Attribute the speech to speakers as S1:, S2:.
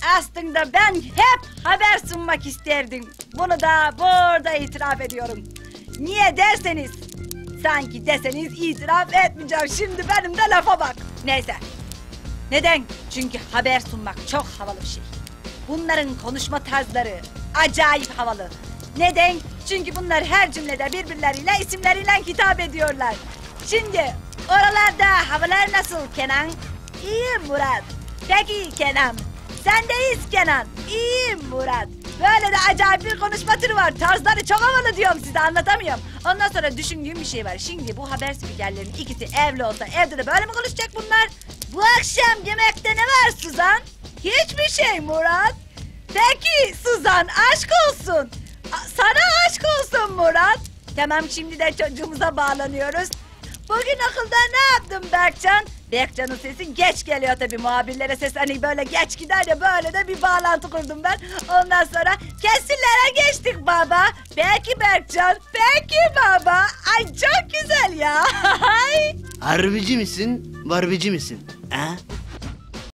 S1: aslında ben hep haber sunmak isterdim. Bunu da burada itiraf ediyorum. Niye derseniz, sanki deseniz itiraf etmeyeceğim. Şimdi benim de lafa bak. Neyse. Neden? Çünkü haber sunmak çok havalı bir şey. Bunların konuşma tarzları acayip havalı. Neden? Çünkü bunlar her cümlede birbirleriyle isimleriyle hitap ediyorlar. Şimdi oralarda havalar nasıl Kenan? İyiyim Murat. Peki Kenan. Sendeyiz Kenan. İyiyim Murat. Böyle de acayip bir konuşma türü var. Tarzları çok havalı diyorum size, anlatamıyorum. Ondan sonra düşündüğüm bir şey var. Şimdi bu haber spikerlerinin ikisi evli olsa evde de böyle mi konuşacak bunlar? Bu akşam yemekte ne var Suzan? Hiçbir şey Murat. Peki Suzan, aşk olsun. Sana aşk olsun Murat. Tamam, şimdi de çocuğumuza bağlanıyoruz. Bugün okulda ne yaptın Berkcan? Berkcan'ın sesi geç geliyor tabii, muhabirlere ses hani böyle geç gider ya, böyle de bir bağlantı kurdum ben. Ondan sonra kesirlere geçtik baba. Peki Berkcan, peki baba. Ay çok güzel ya.
S2: Harbici misin, barbici misin? Ha?